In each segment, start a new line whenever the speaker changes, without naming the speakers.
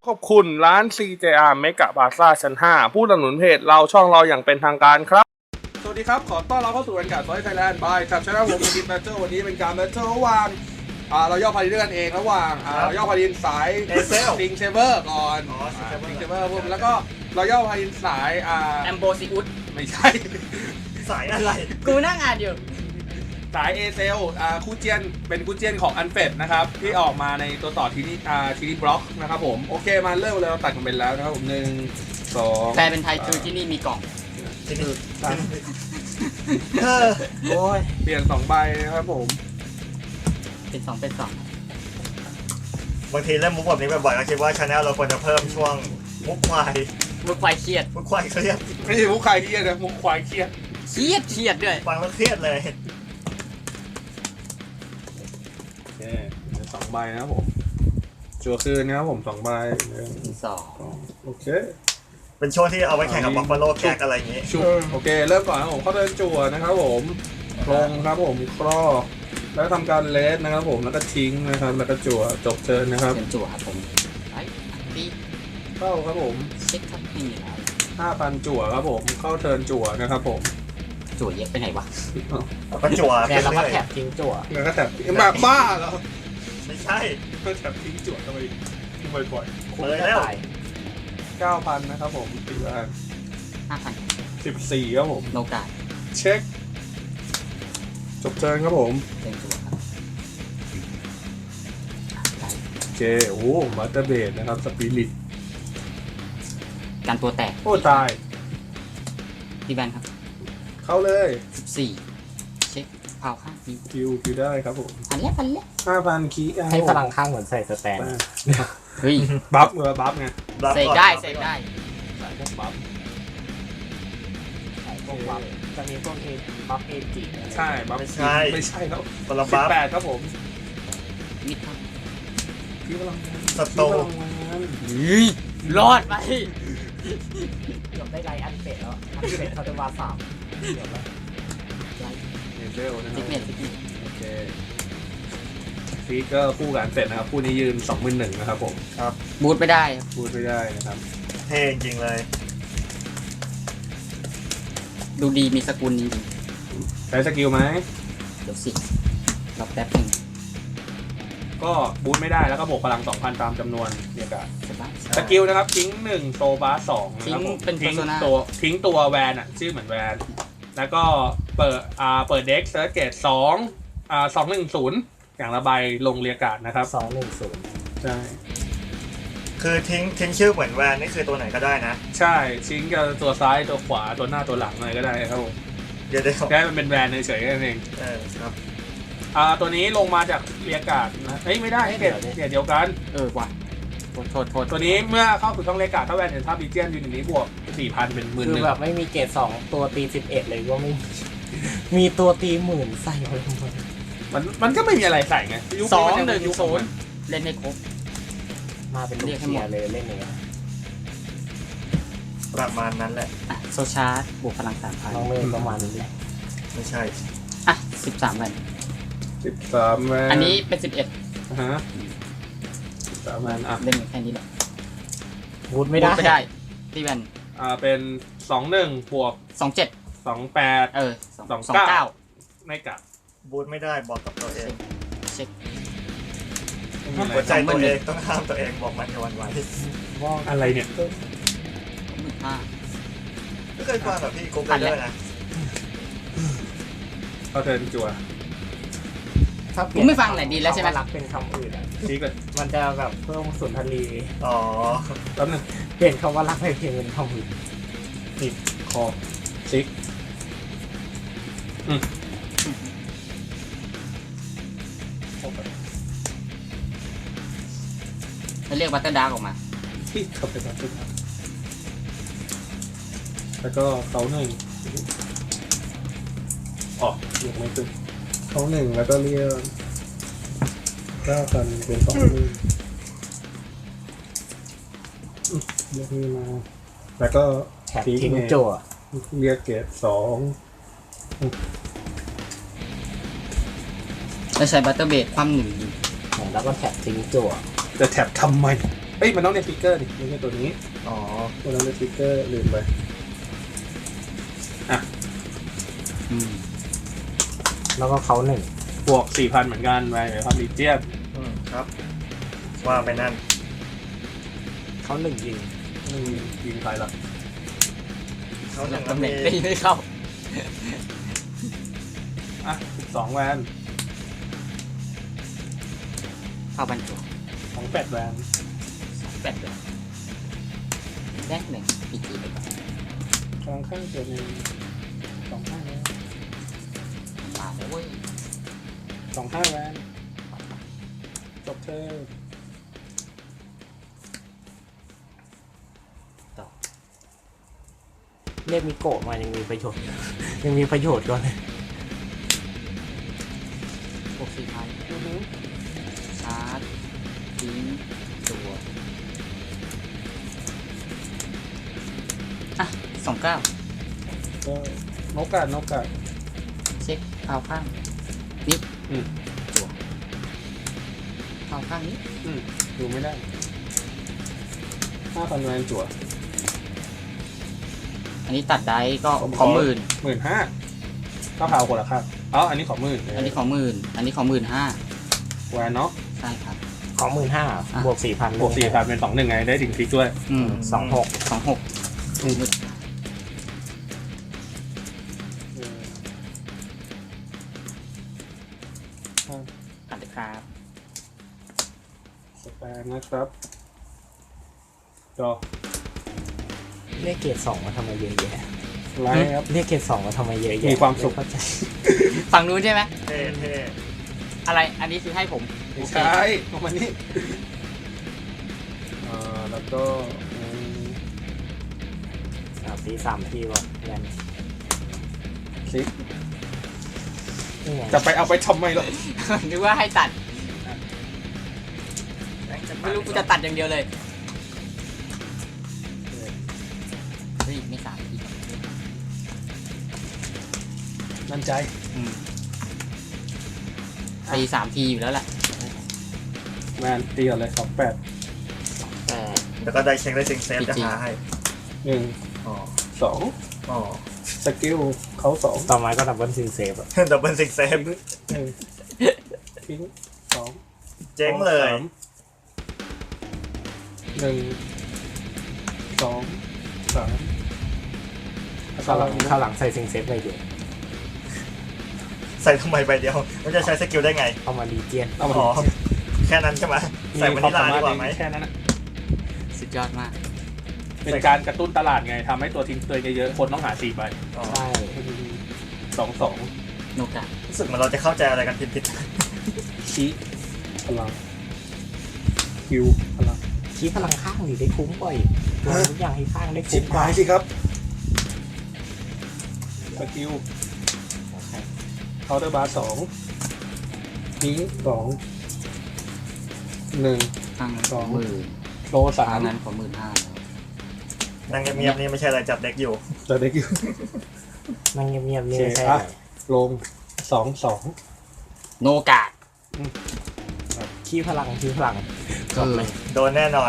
ขอบคุณร้าน CJR Mega Plaza ชั้น 5 ผู้สนับสนุนเพจเราช่องเราอย่างเป็นทางการครับ สวัสดีครับ ขอต้อนรับเข้าสู่การไทยแลนด์บายครับชนะผมกินแบทเทิลวันนี้เป็นการแบทเทิลระหว่างเราย่อพาดินด้วยกันเองระหว่างเราย่อพาดินสายซิงเชเวอร์ก่อนซิงเชเวอร์ปุ๊บแล้วก็เราย่อพาดินสาย
แอมโบซิอุส
ไม่ใช่
สายอะไร
กูนั่งอ่านอยู่
สายเอเซลคูเจียนเป็นคูเจียนของอันเฟดนะครับที่ออกมาในตัวต่อทีนี้บล็อกนะครับผมโอเคมาเริ่มเลยเราตัดกันไปแล้วนะครับผม1 2
แปลเป็นไทยคือที่นี่มีกล่อง
โอ้ย
เปลี่ยน2 ใบนะครับผม
เป็น2เป็น2
บางทีเล่นมุกแบบนี้บ่อยๆก็คิดว่าชาแนลเราควรจะเพิ่มช่วงมุกควาย
เครียด
มุกควายเครียด
ไม่ใช่มุกควายเครียดนะมุกควายเครียด
ด้วย
ฟังแล้วเครียดเลย
โอเค2 ใบนะครับผมจั่วคืนนะครับผม2 ใบ
2
โอเค
เป็นช่วงที่เอาไว้แข่งกับบัฟฟาโลแก๊กอะไรอย่างงี้
โอเคเริ่มก่อนนะผมเข้าเดินจั่วนะครับผมลงครับผมครอแล้วทำการเลสนะครับผมแล้วก็ทิ้งนะครับแล้วก็จั่วจบเชิญนะครับ
จั่วครับผมตี
เข้าครับผม
เช็คครับนี่
5,000จั่วครับผมเข้าเทิร์นจั่วนะครับผม
จั่วเยอะไปไหนวะ
ก็จั่ว
แล้วก็แถบทิ้งจั่ว
แล้วก็แถบแบบบ้าเหรอ
ไม่ใช่
ก็แถบทิ้งจั่วทำไมบ่อย
ๆเลยแล้ว
9,000 นะครับผมตีบ้าน
5,000
14ครับผม
โนกา
เช็คจบเทิร์นครับผม
เป็นจั่วครับ
โอเคโอ้มาสเตอร์เบดนะครับสปิริต
การตัวแตก
โอ้ตาย
ที่แบนครับ
เข้าเลย
14เช็คเผาข้าง
คิวได้ครับผม
พันเล็ก
5,000คี
ให้พลังข้างเหมือนใส่สแตน
เฮ้ย
บัฟไง
เสกได้
ใส่พวกบัฟ
จะมีพวกบัฟเอจิ
ใช่บัฟไม่ใช่ครับ18ครับผม
มิดครับ
พี่พลัง
สโต
รอดไป
เกือบได้ไลอันเฟดแล้วอันเฟดเขาจะวา3เกือบแล้ว
เซลนะครับโอเคฟีกก็คู่กันเสร็จนะครับคู่นี้ยืน 21,000 นะครับผม
ครับ
บูทไม่ได้
นะครับ
เท่จริงเลย
ดูดีมีสกุลจริง
ใช้สกิลไหม
เดี๋ยวสิรอแป๊บนึง
ก็บูทไม่ได้แล้วก็บวกพลัง 2,000 ตามจำนวนเดียวกันสกิลนะครับทิ้ง1โซบาร์2นะครับผมทิ้งตัวแวนอ่ะชื่อเหมือนแวนแล้วก็เปิดเด็กเซิร์ชเกต210อย่างละใบลงเรียกการ์ดนะครับ
210
ใช่
คือทิ้งชื่อเหมือนแวนนี่คือตัวไหนก็ได้นะ
ใช่ทิ้งกับตัวซ้ายตัวขวาตัวหน้าตัวหลังอะไรก็ได้ครับผม
เดี๋ยว
แค่มันเป็นแวนเฉยๆแค่นั้นเอง
ครับ
ตัวนี้ลงมาจากเรียกการ์ดนะไม่ได้เกตเดียวกัน
กว่าโทษ
ตัวนี้เมื่อเข้าสู่ช่องเรียกการ์ดถ้าแวนเห็นภาพบีเจียนอยู่ในนี้บวก 4,000 เป็น 10,000
คือแบบไม่มีเกต2ตัวตี11เลยก็ไม่มีตัวตี10,000ใส่ไว้ทำไม
มันก็ไม่มีอะไรใส่ไง
210เล่นให้ครบ
มาเป็นลูกเชียร์เลยเล่นอย่างเงี้ย
ประมาณนั้นแหละ
โซชาร์บวกพลัง 3,000
น้องเมย์ประมาณนี้แหละ
ไม่ใช่
13แวน
อั
นนี้เป็น11
ฮะ13แวน
เล่นแค่นี้แหละ
บูทไม่ได้
ตีแวน
เป็น21บวก
27
28 29ไม่กลับ
บูทไม่ได้บอกกับตัวเอง
เช็ค
หัวใจตัวเองต้องห้ามตัวเองบอกมันในวันวัน
ว่าอะไรเนี่ย
ไม่เคยฟังแบบพี่โกเกอร์นะ
เขาเทิร์นจั่ว
ผมไม่ฟังไหนดีแล้วใช่ไหม
รักเป็นคำอื่น
ชี้ก่อน
มันจะแบบเพิ่มสุนทรี
แป๊บนึง
เปลี่ยนคำว่ารักให้เพียงเป็นคำอื่น
นี่คอซิก
เรียกวัตเตอร์ดาร์กออกมา
ที่เขาไปวัตเตอร์ดาร์กแล้วก็เขา1เรียกไม่ตึงเขา1แล้วก็เรียก9,000เป็น20,000เรียกนี่มาแล้วก็
ทิ้งจั่ว
เรียกเกต2
แล้วใช้บัตเตอร์เบดความ1
แล้วก็แท็บทิ้งจั่ว
จะแท็บทำไมเอ้ยมันต้องเรียกฟิกเกอร์ดิไม่ใช่ตัวนี้
อ๋อ
ตัวนั้นเป็นฟิกเกอร์ลืมไปอ่ะ
แล้วก็เขาหนึ่ง
บวก 4,000 เหมือนกันไปครับลีเจียน
ครับ ว่าไปนั่น
เขาหนึ่งยิง
ยิงใครล่ะ
เขาหนึ่ง
ตำแหน่ง
มี
ตีไม่เข้า
อ่ะ12 แวน
เข้าบรรจุ
28 แวน
แปดเลยแรกหนึ่งปีจีไปก่อน
กลางข้างเจอหนึ่ง25 แวน
มาแล้วเว้ย
25 แวนจบเธอ
เรียกมิโกะมายังมีประโยชน์ ยังมีประโยชน์ก่อนเลย
บวก4,000ชาร์จทิ้งตัวอ่ะ29
ก็นกกา
เช็คเอาข้างนี้
อืม
จั่วเอาข้างนี้
ดูไม่ได้ 5,000 แวนจั่ว
อันนี้ตัดได้ก็
ผมข
ข
อ
อหมื่น
15,000ก็เผาคนละครับอ๋ออันนี้ของหมื่น
อันนี้ของหมื่นอันนี้ของ15,000
แวนเนาะ
ใช่ครับ
ของ15,000บวก 4,000
บวก 4,000 เป็น 2-1 ไงได้ถึงพลิกด้วย
26
26หมื่น ตัดเลยครับ
สแปนนะครับจอ
เรียกเกรด2มาทำไมเยอะแยะ
ไลท์ครับ
เรียกเกรด2มาทำไมเยอะแยะ
มีความสุข
ไเข้าใจ
ฝั่งนู้นใช่ไหม
เท่เท่
อะไรอันนี้คือให้ผม
ไม่ใช่ลงมานี่แล้วก็
ตี3ทีว่ะแวน
คลิก
นี่ไง
จะไปเอาไปทำไมล่ะ
นึกว่าให้ตัด
แรงจะ
ไม่รู้กูจะตัดอย่างเดียวเลยเฮ้ยไม่3ที
นั่นใจ
ตี3ทีอยู่แล้วแหละ
แมนตีก่อนเลย28
แล้วก็ได้เช็คได้ซิงเซฟจะหาให้
1
อ๋อ
2
อ๋อ
สกิลเขา2
ต่อมาก็ดับเบิลซิงเซฟอะ
ดับเบิลซิงเซฟ
ทิ้ง2
เจ๊งเลย
1 2 3
ข้าวหลังใส่ซิงเซฟไปอยู่
ใส่ทำไมใบเดียว มันจะใช้สกิลได้ไง
เอามาดีเจียน
เอามา
อ๋อ แค่นั้นใช่ไหมใส่วานิลลาดีกว่าไหม
แค่นั้นนะ
สุดยอดมาก
เป็นการกระตุ้นตลาดไงทำให้ตัวทิ้งตัวเยอะๆคนต้องหา4 ใบ
อ๋อ
ใช่
2
โนกะ
รู้สึกเหมือนเราจะเข้าใจอะไรกันผิด
2ชี้พลังคิวพลัง
ชี้พลังข้างหรือได้คุ้มบ่อยตัวทุกอย่างให้ข้างได้
ชิ
คุ้
ป
ม
หายสิครับสกิลเคาน์เตอร์บาร์2ทิ้ง2 1
ข้าง
สอง
หมื่น
โล
อัน
3
นั้นของ15,000แล้ว
ๆนั่งเงียบๆนี่ไม่ใช่อะไรจัดเด็กอยู่
จะได้คิว
นั่งเงียบๆนี่
โอเค
ไม่ใช่
อ่ะ
อะไร
ลง2
โนกะ
ขี้พลังจบเลย
โดนแน่นอน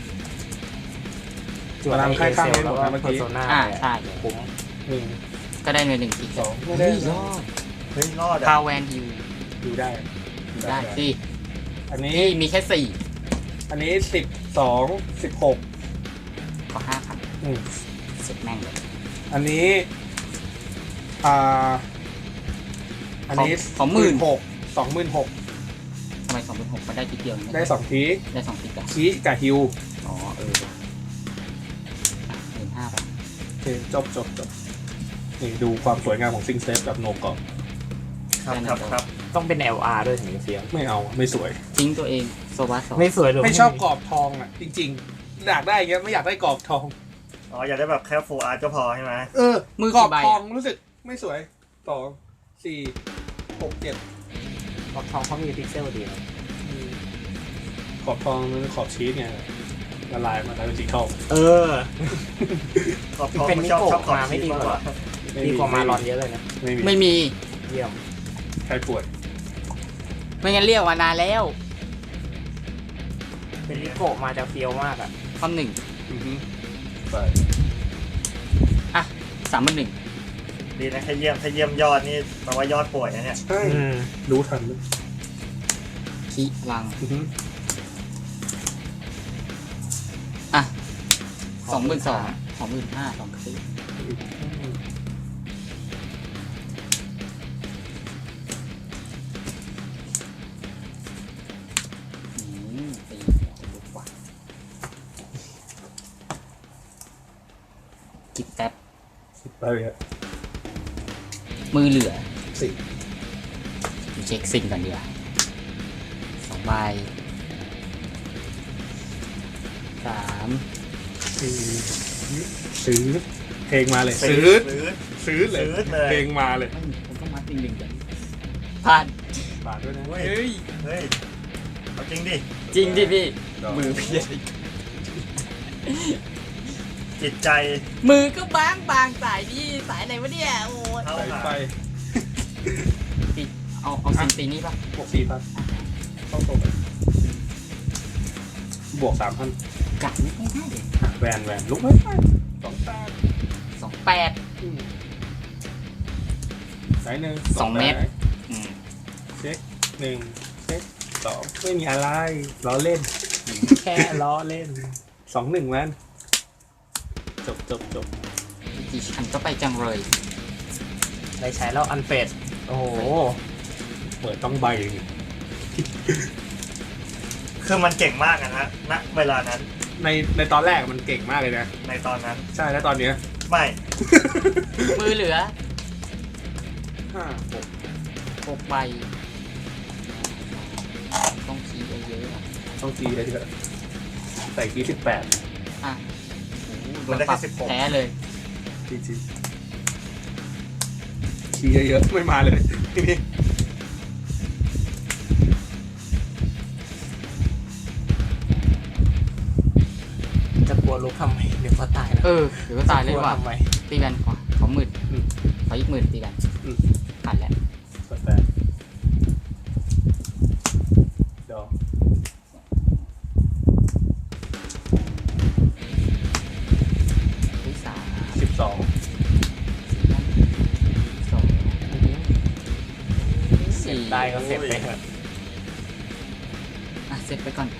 จวดในเอเซลแล้วก็เพอร์โซนา
ใช่
คุ้ม
1
ก็ได้เลย1ที
2ไม่
เฮ้
ได้
ยยอด
เฮ้ยรอด
พา
อ่ะ
แวนฮิว
ดูได้
ได้สิ
อันนี้
นี่มีแค่
อันนี้12 16
4ก็5,000
อืม
สุดแม่งเลย
อันนี้อันนี้
ของหมื่น
26,000
ทำไม26,000มันได้ทีเดียว
ได้2ที
ได้2ทีกัน
ชี้กับฮิว
อ๋อว่ะ15,000ไป
โอเคจบนี่ดูความสวยงามของซิงเซฟกับโนกอบ
ครับ
ต้องเป็น LR ด้วยถึงจะเฟี้ยว
ไม่เอาไม่สวย
ทิ้งตัวเองโซวาสอง
ไม่สวยหรือ
ไม่ชอบกรอบทองอ่ะ จริงๆ อยากได้อย่างเงี้ยไม่อยากได้กรอบทอง
อ๋ออยากได้แบบแค่ฟูลอาร์ตก็พอใช่ไหม
มือก
รอบ
กี่ใบ
ทอง
อะ
รู้สึกไม่สวย2 4 6 7
กรอบทองเขามีพิกเซลดีนะ
ขอบทองมันขอบชีสไงละลายมาแล้วเป็นสีทอง
เออ
ขอบทอง
เป็น
ไม่ชอบ
นิโกะ
ชอบขอบ
มาไม่
ชีส
ดี
มาก
ก
ก
ว่า
ว่า
ดีกว่ามารอนเยอะเลยนะ
ไม่มี
เยี่ยม
ใครป่วย
ไม่งั้นเรียกมานานแล้ว
เป็นลิโกะมาจะเฟี้ยวมากอ่ะ
ข้อหนึ่ง
อือฮึไป
อ่ะ31,000
ดีนะถ้าเยี่ยมยอดนี่แปลว่ายอดป่วยนะเนี่ย
ใช่รู้ทันเลย
ขี้พลัง
อือฮึ
อ่ะ22,000 25,000 2คลิปตีดีกว่ากิบแท็บ
ไปเลยอะ
มือเหลือ
สิ
เช็คซิงกันดีกว่า2 ใบ 3
สี่ซื้อเพลงมาเลย
ซื้
ซื้อเลย
ซื้อเลย
เพลงมาเลย
ไม่ผมต้องมาติงหนึ่งกันผ่าน
บาทด้วยนะ
เฮ้ย เฮ้ยเอาจริงดิ
จริงดิพี่
ดอก
มือเพี้ยน
จิตใจ
มือก็บางสายนี่สายไหนวะเนี่ยโอ้ย
เท่า
ใส่
หา
ไป
เอาซิงตีนี้ป่ะ
บวก4,000เข้าตรงไปบวก3,000
กัดไม่ได้เลย
แวนลุกไม่ได้2,000
28
สายหนึ่ง
2 เมตร อืม
เช็ค1เช็ค2ไม่มีอะไรล้อเล่น แค่ล้อเล่น2-1แวนจบ
กี่ชั้นก็ไปจังเลย
ได้ใช้แล้วอันเฟดโอ้โห
เปิดต้องใบ
คือมันเก่งมากอะนะณเวลานั้น
ในตอนแรกมันเก่งมากเลยนะ
ในตอนนั้น
ใช่แล้วตอนเนี้ย
ไม่
มือเหลือ
5
6 ใบ ต้องคีย์เยอะๆอะ
6ต้องจีเลยเถอะใส่กี18
อ่ะ
มันได้แค่16
แพ้เลย
จีคีเยอะๆไม่มาเลยทีนี้
จะกลัวลุกทำไมเดี๋ยวก็ตายนะ
เดี๋ยวก็ตายเลย
กลัว
ว่ะ
ทำไม
ตีแบนขอ10,000ขออีก10,000ตีแบนผ่านแล้ว
18ดอก
ที่3
12
2
เสียได้ก็เสร็จไปเถอะ
อ่ะเสร็จไปก่อน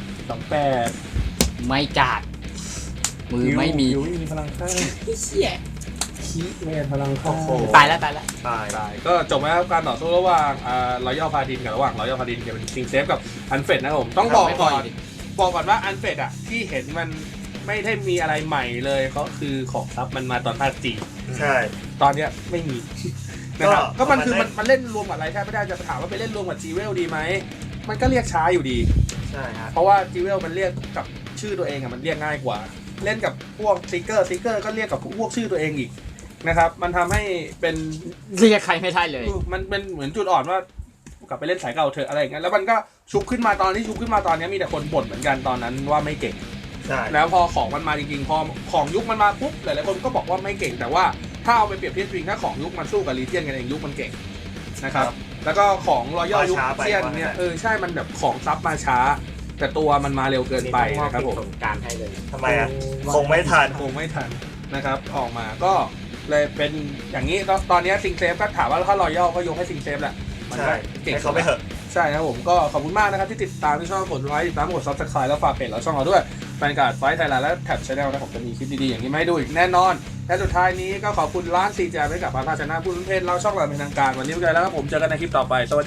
28
ไม่กาด มือไม่มี
ยูมีพลังข้าง
เชี่ย
คีไม่พลังข้าง
โอ้โห
ตายแล้ว
ตาย
ได้ก็จบแล้วครับการต่อสู้ระหว่างรอยัลพาดินกับระหว่างรอยัลพาดินกับเป็นซิงเซฟกับอันเฟดนะครับผมต้องบอกก่อนว่าอันเฟดอ่ะที่เห็นมันไม่ได้มีอะไรใหม่เลยก็คือของซับมันมาตอนภาคจี
ใช่
ตอนเนี้ยไม่มี นะครับก็มันคือ
มัน
มันเล่นรวมกับอะไรแทบไม่ได้จะถามว่าไปเล่นรวมกับจีเวลดีไหมมันก็เรียกช้าอยู่ดี
ใช่ฮะ
เพราะว่าจีเวลมันเรียกกับชื่อตัวเองอะมันเรียกง่ายกว่า เล่นกับพวกซิกเกอร์ก็เรียกกับพวกชื่อตัวเองอีกนะครับมันทำให้เป็น
เรียกใครไม่ได้เลย
มันเป็นเหมือนจุดอ่อนว่ากลับไปเล่นสายเก่าเถอะอะไรอย่างเงี้ยแล้วมันก็ชุบขึ้นมาตอนนี้ชุบขึ้นมาตอนนี้มีแต่คนบ่นเหมือนกันตอนนั้นว่าไม่เก่ง
ใช่
แล้วพอของมันมาจริงๆพอของยุคมันมาปุ๊บหลายๆคนก็บอกว่าไม่เก่งแต่ว่าถ้าเอาไปเปรียบเทียบจริงถ้าของยุคมันสู้กับลีเจียนกันเองยุคมันเก่งนะครับแล้วก็ของรอยัลยุคเจียนเนี่ยใช่มันแบบของซับมาช้า แต่ตัวมันมาเร็วเกินไปนะครับผม
สงการให้เลย
ทำไมอ่ะ คงไม่ทัน
คงไม่ทันนะครับออกมาก็เลยเป็นอย่างนี้ตอนนี้ซิงเซฟก็ถามว่าถ้ารอยัลก็ยกให้ซิงเซฟแหละมัน
ใช่
ก็เก่ง
ให้เขาไปเถอะ
ใช่ครับผมก็ขอบคุณมากนะครับที่ติดตามที่ช่องกดไลค์ติดตามกดซับสไครต์แล้วฝากเพจเราช่องเราด้วยแฟนการ์ดไฟท์ไทยแลนด์และแท็บชาแนลนะผมจะมีคลิปดีๆอย่างนี้มาให้ดูอีกแน่นอนและสุดท้ายนี้ก็ขอบคุณร้านซีแจไว้กับพาราชนะผู้รุ่นเพจเราช่องเราเป็นทางการวันนี้ไปแล้วครับผมเจอกันในคลิปต่อไปสวัสดี